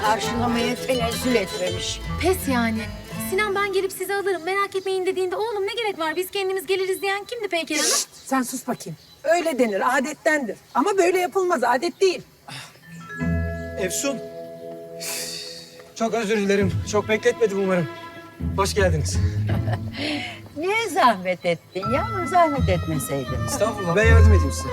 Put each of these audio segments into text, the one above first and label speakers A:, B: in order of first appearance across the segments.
A: karşılamaya tenezzül etmemiş.
B: Pes yani. Sinan ben gelip sizi alırım merak etmeyin dediğinde oğlum ne gerek var biz kendimiz geliriz diyen kimdi Peyker Hanım?
C: Sen sus bakayım. Öyle denir, adettendir. Ama böyle yapılmaz, adet değil.
D: Efsun. Çok özür dilerim. Çok bekletmedim umarım. Hoş geldiniz.
A: Niye zahmet ettin ya? Zahmet etmeseydin.
D: Estağfurullah. Ben yardım edeyim size.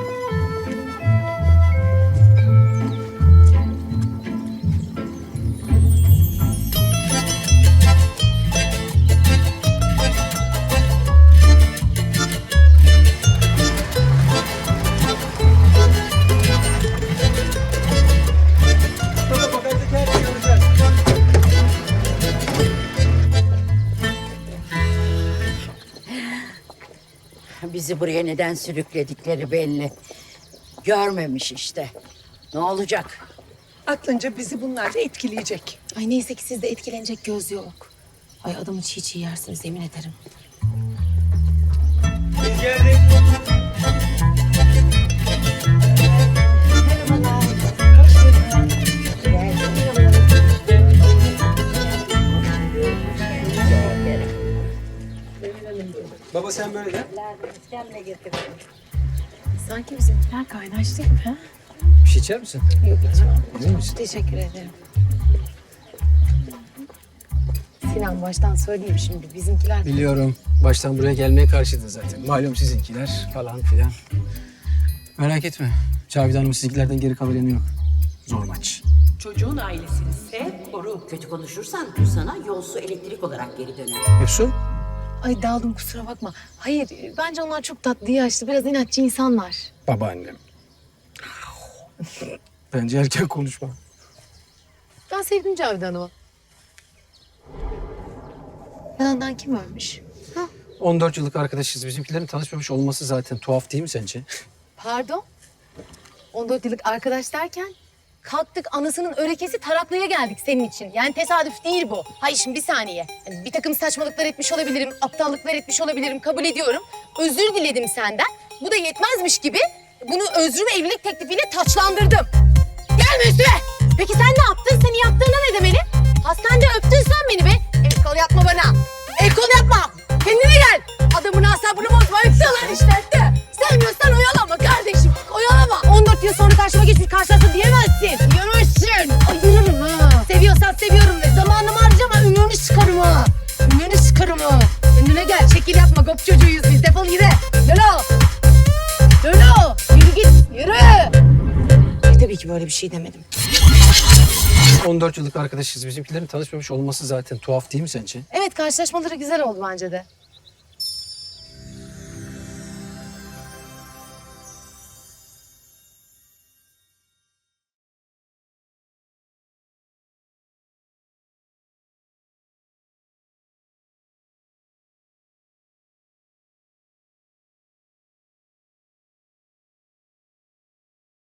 A: Bizi buraya neden sürükledikleri belli. Görmemiş işte. Ne olacak?
C: Aklınca bizi bunlar da etkileyecek.
B: Ay neyse ki sizde etkilenecek göz yok. Ay adamı çiğ çiğ yersiniz yemin ederim.
D: Biz geldik. Baba sen böyle de.
B: Sanki bizimkiler kaynaş değil mi? Ha?
D: Bir şey içer misin?
B: Yok içmem.
D: Emin misin?
B: Teşekkür ederim. Sinan baştan söyleyeyim şimdi bizimkiler...
D: Biliyorum. Baştan buraya gelmeye karşıydı zaten. Malum sizinkiler falan filan. Merak etme. Cavidan Hanım sizinkilerden geri kalır yanı yok. Zor maç.
E: Çocuğun ailesini sev, koru.
F: Kötü konuşursan bu sana yolsu elektrik olarak geri döner.
D: Efsun?
B: Ay daldım kusura bakma. Hayır bence onlar çok tatlı yaşlı biraz inatçı insanlar.
D: Babaannem. Bence erken konuşma.
B: Ben sevdim Cavidan Hanım'ı. Yalandan kim ölmüş?
D: 14 yıllık arkadaşız. Bizimkilerin tanışmamış olması zaten tuhaf değil mi sence?
B: Pardon? 14 yıllık arkadaş derken kalktık anasının örekesi taraklıya geldik senin için. Yani tesadüf değil bu. Hayır şimdi bir saniye. Yani bir takım saçmalıklar etmiş olabilirim, aptallıklar etmiş olabilirim kabul ediyorum. Özür diledim senden. Bu da yetmezmiş gibi bunu özrümü evlilik teklifiyle taçlandırdım. Gelme üstüme! Peki sen ne yaptın? Seni yaptığına ne demeli? Hastanede öptün sen beni be. El kol yapma bana. El kol yapma. Kendine gel. Adamın asabını bozma. Öptüler işte öptü. Sevmiyorsan oyalama kardeşim. Oyalama. 14 yıl sonra karşıma geçmiş karşılaştı diyemezsin. Diyemezsin. Ayırırım ha. Seviyorsan seviyorum de. Zamanımı harcama. Ümrünü sıkarım ha. Ümrünü sıkarım ha. Kendine gel. Şekil yapma. Gop çocuğuyuz biz. Defol gide. Lolo. Lolo. Yürü git. Yürü. Tabii ki böyle bir şey demedim.
D: 14 yıllık arkadaşız. Bizimkilerin tanışmamış olması zaten tuhaf değil mi sence?
B: Evet karşılaşmaları güzel oldu bence de.